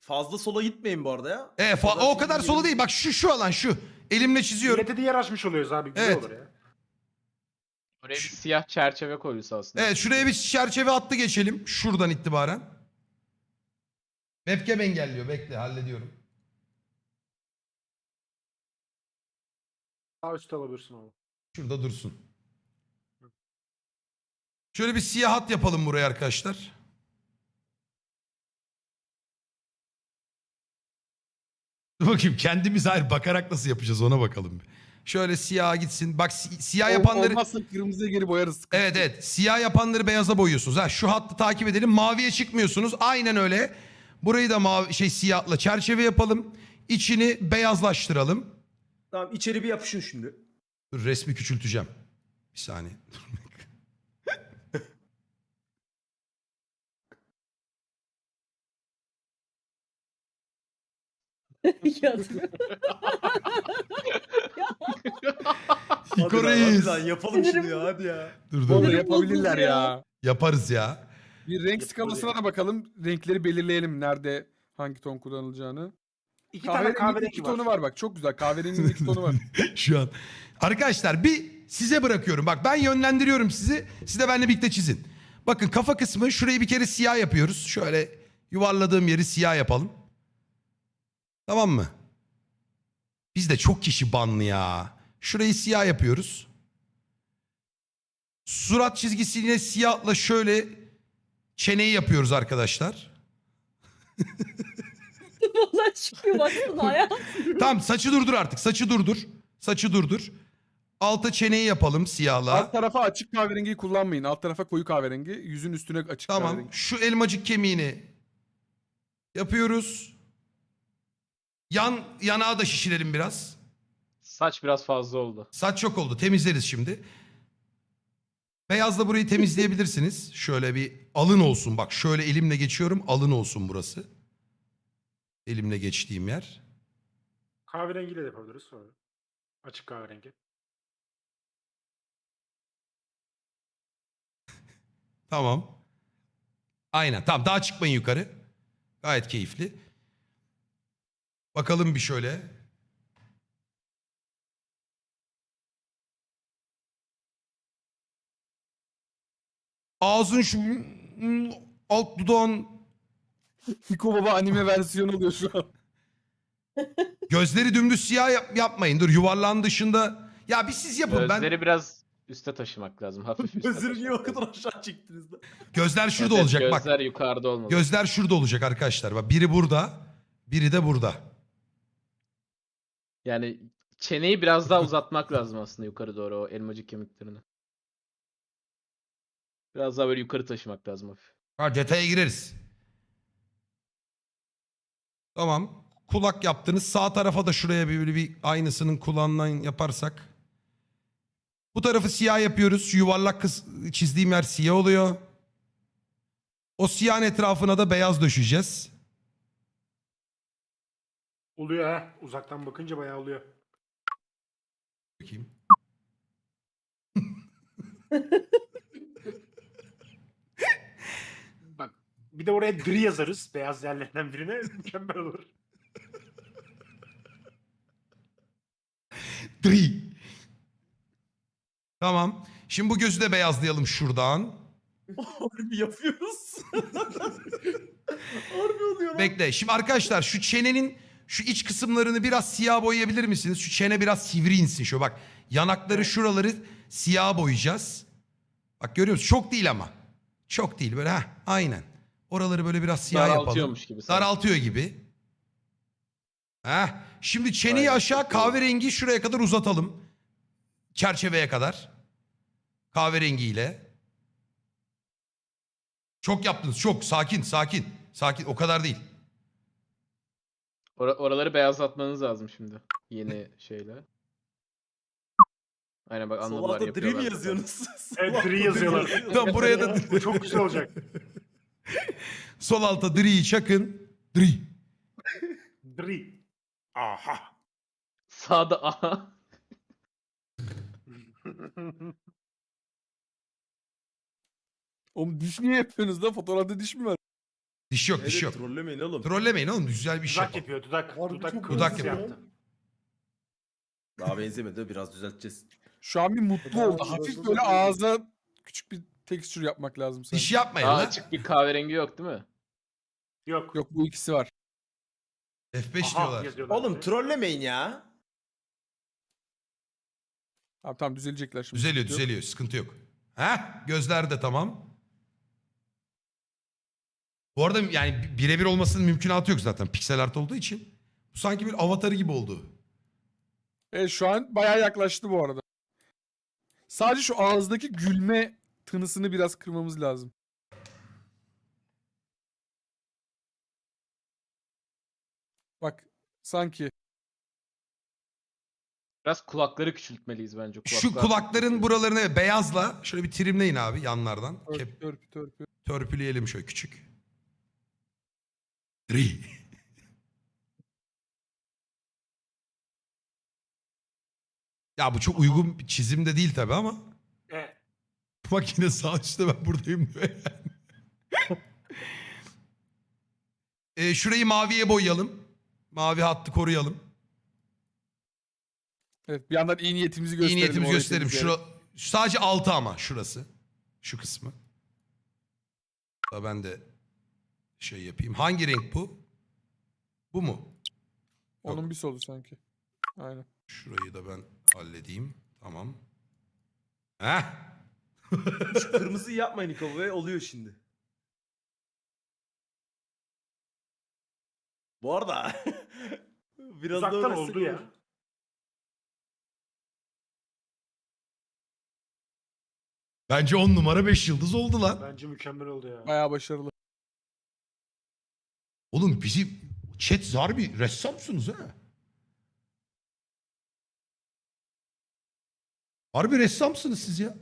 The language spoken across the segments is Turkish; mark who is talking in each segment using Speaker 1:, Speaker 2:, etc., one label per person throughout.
Speaker 1: Fazla sola gitmeyin bu arada ya.
Speaker 2: O kadar sola değil. Bak şu alan şu. Elimle çiziyorum.
Speaker 3: Millete de yer açmış oluyoruz abi. Güzel
Speaker 2: Evet.
Speaker 3: olur ya.
Speaker 4: Oraya bir siyah çerçeve koyulsa aslında.
Speaker 2: Evet, şuraya bir çerçeve hattı geçelim. Şuradan itibaren. Webcam engelliyor. Bekle, hallediyorum.
Speaker 3: Sağ üstte alabilirsin onu.
Speaker 2: Şurada dursun. Şöyle bir siyah hat yapalım buraya arkadaşlar. Dur bakayım, kendimiz hayır bakarak nasıl yapacağız ona bakalım. Şöyle siyaha gitsin. Bak siyah yapanları...
Speaker 5: Olmazsa kırmızıya geri boyarız.
Speaker 2: Evet evet, siyah yapanları beyaza boyuyorsunuz. Ha, şu hattı takip edelim. Maviye çıkmıyorsunuz. Aynen öyle. Burayı da siyahla çerçeve yapalım. İçini beyazlaştıralım.
Speaker 1: Tamam, içeri bir yapışın şimdi.
Speaker 2: Dur, resmi küçülteceğim. Bir saniye. İko
Speaker 1: Hadi lan, hadi
Speaker 2: reis.
Speaker 1: lan, yapalım şunu ya, hadi ya.
Speaker 2: Dur
Speaker 5: Vallahi
Speaker 2: dur.
Speaker 5: yapabilirler
Speaker 6: bozuldu
Speaker 5: ya.
Speaker 2: Yaparız ya.
Speaker 5: Bir renk skalasına da bakalım. Renkleri belirleyelim. Nerede hangi ton kullanılacağını.
Speaker 3: İki tane kahverengi
Speaker 5: iki
Speaker 3: var.
Speaker 5: tonu var bak. Çok güzel. Kahverenginin iki tonu var.
Speaker 2: Şu an. Arkadaşlar bir size bırakıyorum. Bak ben yönlendiriyorum sizi. Siz de benimle birlikte çizin. Bakın kafa kısmı, şurayı bir kere siyah yapıyoruz. Şöyle yuvarladığım yeri siyah yapalım. Tamam mı? Bizde çok kişi banlı ya. Şurayı siyah yapıyoruz. Surat çizgisine siyahla şöyle çeneyi yapıyoruz arkadaşlar.
Speaker 6: Vallahi çıkıyor baksana ya.
Speaker 2: Tamam, saçı durdur artık. Saçı durdur. Saçı durdur. Alta çeneyi yapalım siyahla.
Speaker 5: Alt tarafa açık kahverengiyi kullanmayın. Alt tarafa koyu kahverengi. Yüzün üstüne açık
Speaker 2: Tamam.
Speaker 5: kahverengi.
Speaker 2: Şu elmacık kemiğini yapıyoruz. Yanağı da şişirelim biraz.
Speaker 4: Saç biraz fazla oldu.
Speaker 2: Saç çok oldu. Temizleriz şimdi. Beyazla burayı temizleyebilirsiniz. Şöyle bir alın olsun. Bak şöyle elimle geçiyorum. Alın olsun burası. Elimle geçtiğim yer.
Speaker 3: Kahverengiyle de yapabiliriz sonra. Açık kahverengi.
Speaker 2: Tamam. Aynen. Tamam, daha çıkmayın yukarı. Gayet keyifli. Bakalım bir şöyle. Ağzın şu alt dudağın,
Speaker 5: Hiko Baba anime versiyonu oluyor şu an.
Speaker 2: gözleri dümdüz siyah yapmayın. Dur, yuvarlağın dışında. Ya bir siz yapın.
Speaker 4: Gözleri biraz üste taşımak lazım. Hafif üste
Speaker 1: Gözleri niye o
Speaker 4: taşımak
Speaker 1: kadar
Speaker 4: lazım.
Speaker 1: aşağı çektiniz de?
Speaker 2: Gözler şurada
Speaker 4: Evet,
Speaker 2: olacak bak.
Speaker 4: Gözler yukarıda olmalı.
Speaker 2: Gözler şurada olacak arkadaşlar. Bak biri burada, biri de burada.
Speaker 4: Yani çeneyi biraz daha uzatmak lazım aslında yukarı doğru, o elmacık kemiklerini. Biraz daha böyle yukarı taşımak lazım hafif.
Speaker 2: Ha, detaya gireriz. Tamam. Kulak yaptınız. Sağ tarafa da şuraya bir aynısının kulağından yaparsak. Bu tarafı siyah yapıyoruz. Şu yuvarlak çizdiğim yer siyah oluyor. O siyahın etrafına da beyaz döşeceğiz.
Speaker 3: Oluyor ha. Uzaktan bakınca bayağı oluyor.
Speaker 2: Bakayım.
Speaker 3: Bak bir de oraya dri yazarız. Beyaz yerlerinden birine. Mükemmel olur.
Speaker 2: Dri. Tamam. Şimdi bu gözü de beyazlayalım şuradan.
Speaker 1: Harbi yapıyoruz. Harbi oluyor lan.
Speaker 2: Bekle. Şimdi arkadaşlar şu çenenin şu iç kısımlarını biraz siyah boyayabilir misiniz? Şu çene biraz sivri insin. Şöyle bak. Yanakları, şuraları siyah boyayacağız. Bak görüyor musun? Çok değil ama. Çok değil. Böyle aynen. Oraları böyle biraz siyah yapalım.
Speaker 4: Daraltıyormuş gibi sanki.
Speaker 2: Daraltıyor gibi. Şimdi çeneyi
Speaker 4: Aynen,
Speaker 2: aşağı
Speaker 4: çok iyi.
Speaker 2: kahverengi şuraya kadar uzatalım. Çerçeveye kadar. Kahverengiyle. Çok yaptınız. Çok. Sakin, sakin. Sakin. O kadar değil.
Speaker 4: Oraları beyazlatmanız lazım şimdi. Yeni şeyle. Aynen bak,
Speaker 1: Sol
Speaker 4: anladılar,
Speaker 1: altta
Speaker 4: yapıyorlar.
Speaker 1: dream yazıyorsunuz.
Speaker 3: Evet,
Speaker 1: Sol altta
Speaker 3: dri yazıyorlar.
Speaker 1: yazıyorlar.
Speaker 2: Tamam, buraya da
Speaker 3: Bu çok güzel olacak.
Speaker 2: sol alta dri'yi çakın. Dri.
Speaker 3: Dri. Aha.
Speaker 4: Sağda aha.
Speaker 5: Oğlum diş niye yapıyorsunuz da? Fotoğrafta diş mi var?
Speaker 2: Diş yok, diş yok.
Speaker 1: Trollemeyin oğlum.
Speaker 2: Trollemeyin oğlum. Güzel bir şey
Speaker 3: Dudak
Speaker 2: yapalım.
Speaker 3: yapıyor dudak.
Speaker 1: Harbi
Speaker 3: Dudak,
Speaker 1: çok
Speaker 2: Dudak
Speaker 3: kırmızı
Speaker 2: yapıyor.
Speaker 3: yaptı.
Speaker 1: Daha benzemedi, biraz düzelteceğiz.
Speaker 5: Şu an bir mutlu oldu.
Speaker 1: Daha
Speaker 5: Hafif
Speaker 1: uğraşılacak
Speaker 5: böyle
Speaker 1: bir şey.
Speaker 5: ağza küçük bir tekstür yapmak lazım sanki.
Speaker 2: Diş yapmayın
Speaker 4: Daha
Speaker 2: lan.
Speaker 4: açık bir kahverengi yok değil mi?
Speaker 3: Yok.
Speaker 5: Yok bu ikisi var.
Speaker 2: F5
Speaker 3: Aha,
Speaker 2: diyorlar.
Speaker 3: yazıyorlar.
Speaker 1: Oğlum trollemeyin ya.
Speaker 5: Tamam düzelecekler şimdi.
Speaker 2: Düzeliyor,
Speaker 5: Sıkıntı yok.
Speaker 2: düzeliyor. Sıkıntı yok. Heh, gözler de tamam. Bu arada yani birebir olmasının mümkünatı yok zaten. Piksel art olduğu için. Bu sanki bir avatarı gibi oldu.
Speaker 5: Evet şu an bayağı yaklaştı bu arada. Sadece şu ağızdaki gülme tınısını biraz kırmamız lazım. Bak sanki.
Speaker 4: Biraz kulakları küçültmeliyiz bence.
Speaker 2: Şu kulakların buralarını beyazla şöyle bir trimleyin abi yanlardan.
Speaker 5: Törpü.
Speaker 2: Törpüleyelim şöyle küçük. Dri. Ya bu çok uygun bir çizim de değil tabi ama.
Speaker 3: Evet.
Speaker 2: Bak yine sağ üstte ben buradayım diyor yani. Şurayı maviye boyayalım. Mavi hattı koruyalım.
Speaker 5: Evet bir yandan iyi niyetimizi
Speaker 2: İyi
Speaker 5: gösterelim.
Speaker 2: niyetimizi
Speaker 5: orayı
Speaker 2: gösterelim.
Speaker 5: temizleyerek.
Speaker 2: Sadece altı ama şurası. Şu kısmı. Da ben de şey yapayım. Hangi renk bu? Bu mu?
Speaker 5: Onun bir solu sanki. Aynen.
Speaker 2: Şurayı da ben halledeyim. Tamam. Heh.
Speaker 1: Şu kırmızıyı yapmayın Niko ve oluyor şimdi. Bu arada biraz da
Speaker 3: Uzaktan
Speaker 1: uğraşsak
Speaker 3: oldu ya.
Speaker 1: olur.
Speaker 2: Bence 10 numara 5 yıldız oldu lan.
Speaker 3: Bence mükemmel oldu ya.
Speaker 5: Bayağı başarılı.
Speaker 2: Oğlum bizim chat zar bir ressamsınız ha. Harbi ressamsınız siz ya.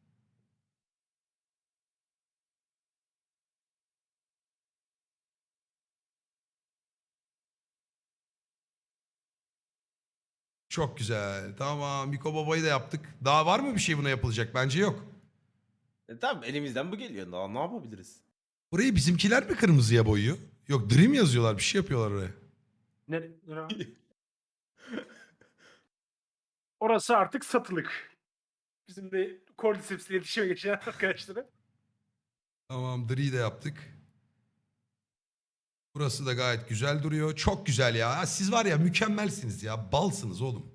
Speaker 2: Çok güzel. Tamam. Miko Baba'yı da yaptık. Daha var mı bir şey buna yapılacak? Bence yok.
Speaker 1: Tamam elimizden bu geliyor. Daha ne yapabiliriz?
Speaker 2: Burayı bizimkiler mi kırmızıya boyuyor? Yok Dream yazıyorlar. Bir şey yapıyorlar oraya.
Speaker 3: Ne? Orası artık satılık. Bizim de Cordyceps'le iletişime geçen arkadaşlara.
Speaker 2: Tamam Dream'i de yaptık. Burası da gayet güzel duruyor. Çok güzel ya. Siz var ya mükemmelsiniz ya. Balsınız oğlum.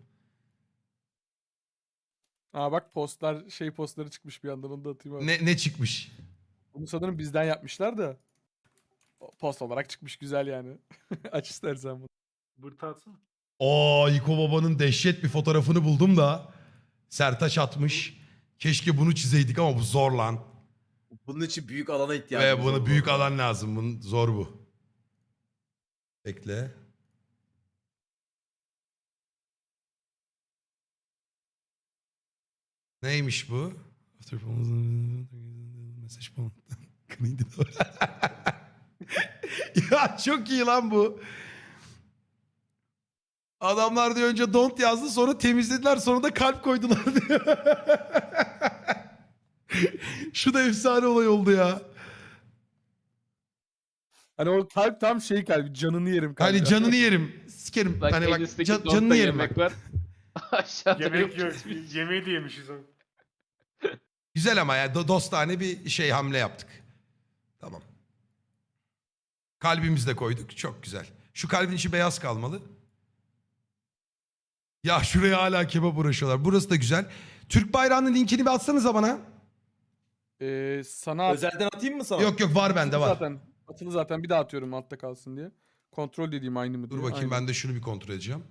Speaker 5: Aa bak postları çıkmış bir yandan onu da atayım abi.
Speaker 2: Ne çıkmış?
Speaker 5: Bunu sanırım bizden yapmışlar da. Post olarak çıkmış güzel yani. Aç istersen bunu.
Speaker 3: Bırtı atsana.
Speaker 2: Yiko Baba'nın dehşet bir fotoğrafını buldum da. Sertaç atmış. Keşke bunu çizeydik ama bu zor lan.
Speaker 1: Bunun için büyük alana ihtiyacımız
Speaker 2: Ve bunu
Speaker 1: var bu
Speaker 2: büyük
Speaker 1: arada.
Speaker 2: alan lazım. Bunun zor bu. Bekle. Neymiş bu? Mesaj falan. Ya çok iyi lan bu. Adamlar diyor önce don't yazdı sonra temizlediler sonra da kalp koydular diyor. Şu da efsane olay oldu ya.
Speaker 5: Hani o kalp tam şey kalbi canını yerim kalbi.
Speaker 2: Hani canını yerim. Sikerim.
Speaker 4: Bak
Speaker 2: Hani
Speaker 4: en
Speaker 2: bak
Speaker 4: üstteki
Speaker 2: canını
Speaker 4: donta
Speaker 2: yerim
Speaker 4: yemek
Speaker 2: bak.
Speaker 4: var. Aşağıda
Speaker 3: Yemek
Speaker 4: yok.
Speaker 3: yok. Yemeği de yemişiz onu.
Speaker 2: Güzel ama ya dostane bir şey hamle yaptık. Tamam. Kalbimizi de koyduk. Çok güzel. Şu kalbin içi beyaz kalmalı. Ya şuraya hala kebap uğraşıyorlar. Burası da güzel. Türk bayrağının linkini bir atsanıza bana.
Speaker 5: Sana
Speaker 1: Özelden atayım mı sana?
Speaker 2: Yok var bende var.
Speaker 5: Atılı zaten bir daha atıyorum altta kalsın diye. Kontrol dediğim aynı mı
Speaker 2: Dur
Speaker 5: diye.
Speaker 2: bakayım
Speaker 5: Aynı.
Speaker 2: ben de şunu bir kontrol edeceğim.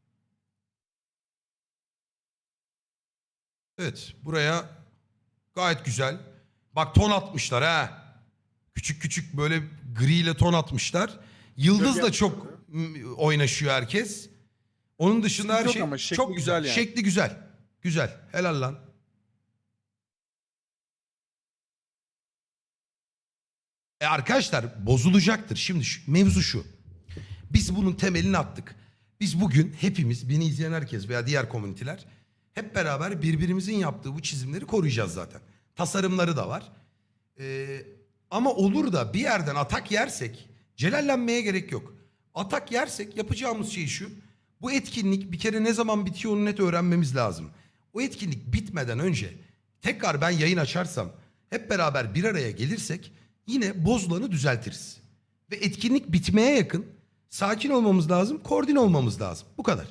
Speaker 2: Evet buraya gayet güzel. Bak ton atmışlar ha. Küçük küçük böyle griyle ton atmışlar. Yıldız da
Speaker 3: Gölge
Speaker 2: çok oynaşıyor herkes. Onun dışında her
Speaker 5: Sıkıntı
Speaker 2: şey
Speaker 5: yok ama şekli
Speaker 2: çok güzel.
Speaker 5: güzel yani.
Speaker 2: Şekli güzel. Güzel. Helal lan. Arkadaşlar bozulacaktır. Şimdi mevzu şu. Biz bunun temelini attık. Biz bugün hepimiz, beni izleyen herkes veya diğer komüniteler hep beraber birbirimizin yaptığı bu çizimleri koruyacağız zaten. Tasarımları da var. Ama olur da bir yerden atak yersek celallenmeye gerek yok. Atak yersek yapacağımız şey şu. Bu etkinlik bir kere ne zaman bitiyor onu net öğrenmemiz lazım. O etkinlik bitmeden önce tekrar ben yayın açarsam hep beraber bir araya gelirsek yine bozulanı düzeltiriz. Ve etkinlik bitmeye yakın sakin olmamız lazım, koordine olmamız lazım. Bu kadar.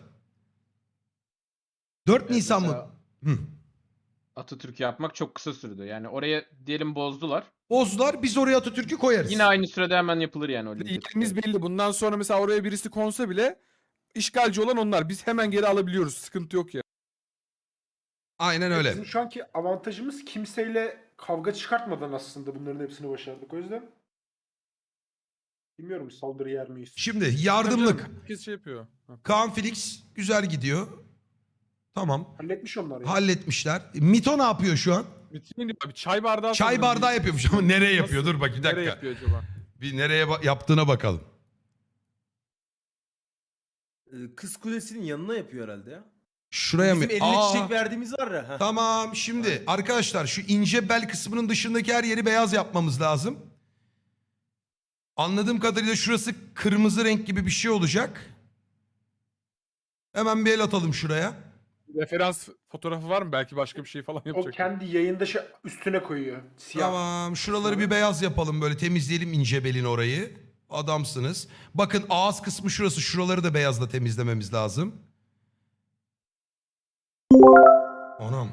Speaker 2: 4 Nisan mı?
Speaker 4: Mesela
Speaker 2: Hı.
Speaker 4: Atatürk'ü yapmak çok kısa sürdü. Yani oraya diyelim bozdular.
Speaker 2: Bozdular, biz oraya Atatürk'ü koyarız.
Speaker 4: Yine aynı sürede hemen yapılır yani o
Speaker 5: Yerimiz belli. Bundan sonra mesela oraya birisi konsa bile işgalci olan onlar. Biz hemen geri alabiliyoruz. Sıkıntı yok ya.
Speaker 2: Aynen öyle.
Speaker 3: Bizim şu anki avantajımız kimseyle kavga çıkartmadan aslında bunların hepsini başardık. O yüzden bilmiyorum saldırı yer miyiz?
Speaker 2: Şimdi yardımlık.
Speaker 5: Herkes şey yapıyor. Ha.
Speaker 2: Kaan Felix güzel gidiyor. Tamam.
Speaker 3: Halletmiş onlar ya.
Speaker 2: Halletmişler. Mito ne yapıyor şu an?
Speaker 5: Bitirin diyor. Bir çay bardağı
Speaker 2: Çay
Speaker 5: sanırım.
Speaker 2: bardağı yapıyormuş ama nereye yapıyor?
Speaker 5: Nasıl?
Speaker 2: Dur bak bir
Speaker 5: Nereye
Speaker 2: dakika.
Speaker 5: yapıyor acaba?
Speaker 2: Bir nereye yaptığına bakalım.
Speaker 1: Kız Kulesi'nin yanına yapıyor herhalde ya.
Speaker 2: Şuraya mı?
Speaker 1: Bizim eline
Speaker 2: Aa,
Speaker 1: çiçek verdiğimiz var ya. Heh.
Speaker 2: tamam şimdi arkadaşlar şu ince bel kısmının dışındaki her yeri beyaz yapmamız lazım. Anladığım kadarıyla şurası kırmızı renk gibi bir şey olacak. Hemen bir el atalım şuraya.
Speaker 5: Referans fotoğrafı var mı? Belki başka bir şey falan
Speaker 3: O
Speaker 5: yapacak.
Speaker 3: kendi yayında üstüne koyuyor. Siyah.
Speaker 2: Tamam şuraları bir beyaz yapalım böyle temizleyelim ince belin orayı. Adamsınız. Bakın ağız kısmı şurası şuraları da beyazla temizlememiz lazım. Anam.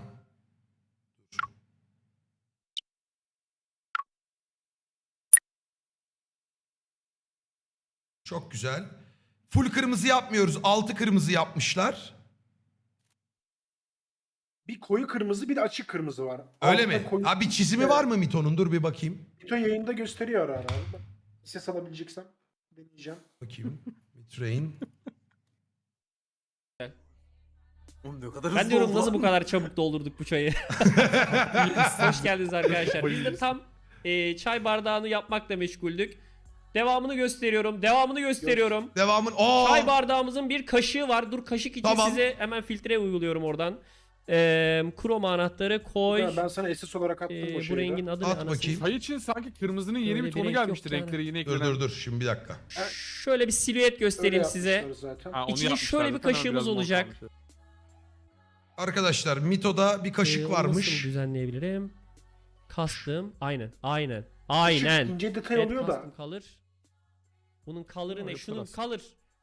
Speaker 2: Çok güzel. Full kırmızı yapmıyoruz. Altı kırmızı yapmışlar.
Speaker 3: Bir koyu kırmızı bir de açık kırmızı var.
Speaker 2: Öyle
Speaker 3: Altta
Speaker 2: mi?
Speaker 3: koyu-
Speaker 2: Ha bir çizimi var mı Mito'nun? Dur bir bakayım.
Speaker 3: Mito yayında gösteriyor ara ara. Ben ses alabileceksem deneyeceğim.
Speaker 2: Bakayım. Train.
Speaker 1: Oğlum ne kadar
Speaker 6: Ben
Speaker 1: hızlı
Speaker 6: diyorum
Speaker 1: oldu
Speaker 6: nasıl
Speaker 1: lan.
Speaker 6: bu kadar çabuk doldurduk bu çayı. Hoş geldiniz arkadaşlar. Biz de tam çay bardağını yapmakla meşguldük. Devamını gösteriyorum. Devamını gösteriyorum.
Speaker 2: Devamın. Oo!
Speaker 6: Çay bardağımızın bir kaşığı var. Dur kaşık için
Speaker 2: Tamam.
Speaker 6: size hemen filtre uyguluyorum oradan. Kroma anahtarı koy.
Speaker 3: Ben sana SS olarak attım o
Speaker 6: Bu
Speaker 3: şeyi.
Speaker 6: rengin adı
Speaker 2: At
Speaker 6: ne anasını?
Speaker 2: bakayım.
Speaker 5: Çay için sanki kırmızının yeni
Speaker 6: Öyle
Speaker 5: bir
Speaker 6: bir
Speaker 5: tonu
Speaker 6: renk
Speaker 5: gelmişti.
Speaker 6: yok yani.
Speaker 5: Renkleri yeni
Speaker 2: Dur
Speaker 5: eklenen.
Speaker 2: dur dur şimdi bir dakika.
Speaker 6: Şöyle bir silüet göstereyim size.
Speaker 3: Zaten.
Speaker 5: Ha, onu
Speaker 6: İçinde
Speaker 5: yapmışlar
Speaker 6: şöyle bir
Speaker 5: zaten ama
Speaker 6: kaşığımız
Speaker 5: biraz mor
Speaker 6: olacak.
Speaker 5: kalmış.
Speaker 2: Arkadaşlar Mito'da bir kaşık
Speaker 6: Onu
Speaker 2: varmış.
Speaker 6: Nasıl düzenleyebilirim? Kastım. Aynen. Aynen.
Speaker 3: Küçük,
Speaker 6: Aynen.
Speaker 3: ince detay
Speaker 6: Evet,
Speaker 3: oluyor da.
Speaker 6: custom color. Bunun color'ı ne?
Speaker 5: Yaparız.
Speaker 6: Şunun color.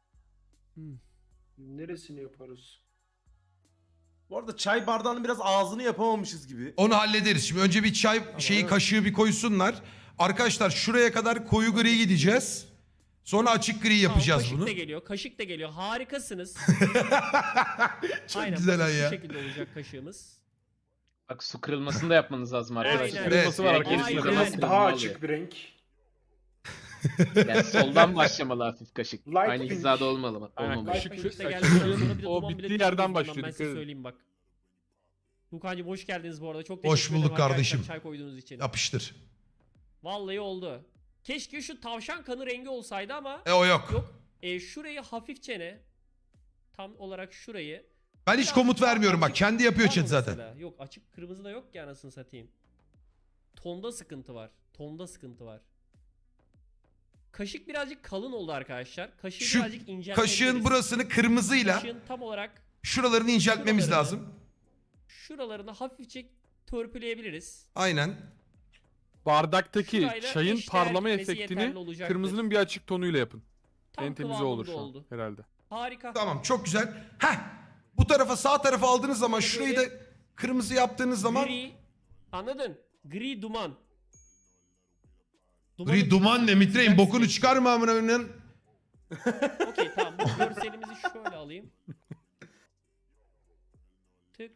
Speaker 3: Neresini yaparız?
Speaker 1: Bu arada çay bardağının biraz ağzını yapamamışız gibi.
Speaker 2: Onu hallederiz. Şimdi önce bir çay şeyi kaşığı bir koysunlar. Arkadaşlar şuraya kadar koyu gri gideceğiz. Sonra açık gri yapacağız
Speaker 6: Kaşık
Speaker 2: bunu.
Speaker 6: da geliyor. Kaşık da geliyor. Harikasınız.
Speaker 2: Çok
Speaker 6: Aynen.
Speaker 2: güzel
Speaker 6: bakın
Speaker 2: lan ya.
Speaker 6: Şu şekilde olacak kaşığımız.
Speaker 4: Bak su kırılmasını da yapmanız lazım arkadaşlar.
Speaker 6: Aynen.
Speaker 5: Kırılması var
Speaker 4: Direkt
Speaker 5: arkadaşlar.
Speaker 4: gerisinde
Speaker 6: Aynen.
Speaker 4: nasıl
Speaker 3: Daha
Speaker 4: kırılma
Speaker 3: açık bir renk.
Speaker 4: oluyor? Yani soldan başlamalı hafif kaşık.
Speaker 3: Light
Speaker 4: Aynı
Speaker 3: pink.
Speaker 4: hizada olmalı.
Speaker 5: Aynen,
Speaker 4: Olmamalı.
Speaker 5: kaşık-
Speaker 6: Kaşık da
Speaker 5: kaşık-
Speaker 6: geldikten sonra bir de
Speaker 5: o
Speaker 6: duman bile
Speaker 5: bittiği
Speaker 6: düşmüyor
Speaker 5: yerden
Speaker 6: bundan,
Speaker 5: başlıyor,
Speaker 6: Ben
Speaker 5: dikkat
Speaker 6: size
Speaker 5: edin.
Speaker 6: söyleyeyim bak. Tuğkancığım hoş geldiniz bu arada. Çok
Speaker 2: Hoş
Speaker 6: teşekkür ederim
Speaker 2: bulduk
Speaker 6: arkadaşlar
Speaker 2: kardeşim.
Speaker 6: Çay koyduğunuz için.
Speaker 2: Yapıştır.
Speaker 6: Vallahi oldu. Keşke şu tavşan kanı rengi olsaydı ama
Speaker 2: O yok.
Speaker 6: yok. Şurayı hafifçe ne? Tam olarak şurayı.
Speaker 2: Ben hiç komut vermiyorum bak. Kendi yapıyor
Speaker 6: Var
Speaker 2: chat
Speaker 6: mı
Speaker 2: zaten.
Speaker 6: mesela? Yok açık kırmızı da yok ki anasını satayım. Tonda sıkıntı var. Tonda sıkıntı var. Kaşık birazcık kalın oldu arkadaşlar. Kaşığı
Speaker 2: Şu
Speaker 6: birazcık inceltebiliriz.
Speaker 2: kaşığın burasını kırmızıyla
Speaker 6: Kaşığın tam olarak
Speaker 2: şuralarını inceltmemiz
Speaker 6: şuralarını-
Speaker 2: lazım.
Speaker 6: şuralarını hafifçe törpüleyebiliriz.
Speaker 2: Aynen.
Speaker 5: Bardaktaki
Speaker 6: Şurayla
Speaker 5: çayın
Speaker 6: eşdeğer
Speaker 5: parlama
Speaker 6: gitmesi yeterli
Speaker 5: efektini
Speaker 6: olacaktır.
Speaker 5: kırmızının bir açık tonuyla yapın.
Speaker 6: Tam
Speaker 5: En temizi
Speaker 6: kıvamında
Speaker 5: olur şu an
Speaker 6: oldu.
Speaker 5: herhalde.
Speaker 6: Harika.
Speaker 2: Tamam çok güzel. Heh. Bu tarafa sağ tarafa aldığınız zaman şurayı da kırmızı yaptığınız zaman
Speaker 6: Gri. Anladın? Gri duman.
Speaker 2: Gri duman ne mitreyin bokunu çıkarma amına koyayım.
Speaker 6: Okey tamam. Bu görselimizi şöyle alayım. Tık.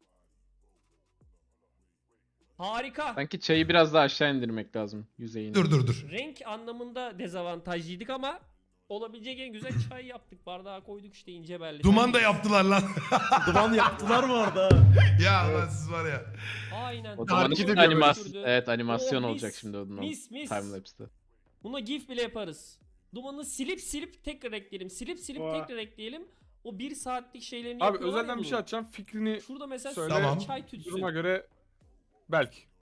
Speaker 6: Harika.
Speaker 4: Sanki çayı biraz daha aşağı indirmek lazım yüzeyini.
Speaker 2: Dur.
Speaker 6: Renk anlamında dezavantajlıydık ama olabilecek en güzel çay yaptık. Bardağa koyduk işte ince belli.
Speaker 2: Duman da yaptılar lan.
Speaker 1: Duman yaptılar mı orada?
Speaker 2: Ya lan siz var ya.
Speaker 6: Aynen.
Speaker 4: O dumanın
Speaker 5: Takip ediyor
Speaker 4: animasyon, evet animasyon
Speaker 6: Oh,
Speaker 4: olacak
Speaker 6: mis,
Speaker 4: şimdi o duman.
Speaker 6: mis.
Speaker 4: Timelapse'de.
Speaker 6: Buna gif bile yaparız. Dumanı silip tekrar ekleyelim. Silip
Speaker 3: Vay.
Speaker 6: tekrar ekleyelim. O 1 saatlik şeylerini
Speaker 5: Abi
Speaker 6: yapıyorlar ya
Speaker 5: özelden bir şey
Speaker 6: bunun.
Speaker 5: atacağım. Fikrini
Speaker 6: Şurada mesela
Speaker 5: Söyle.
Speaker 6: söyle
Speaker 2: Tamam.
Speaker 6: çay tütsü.
Speaker 5: duruma göre belki.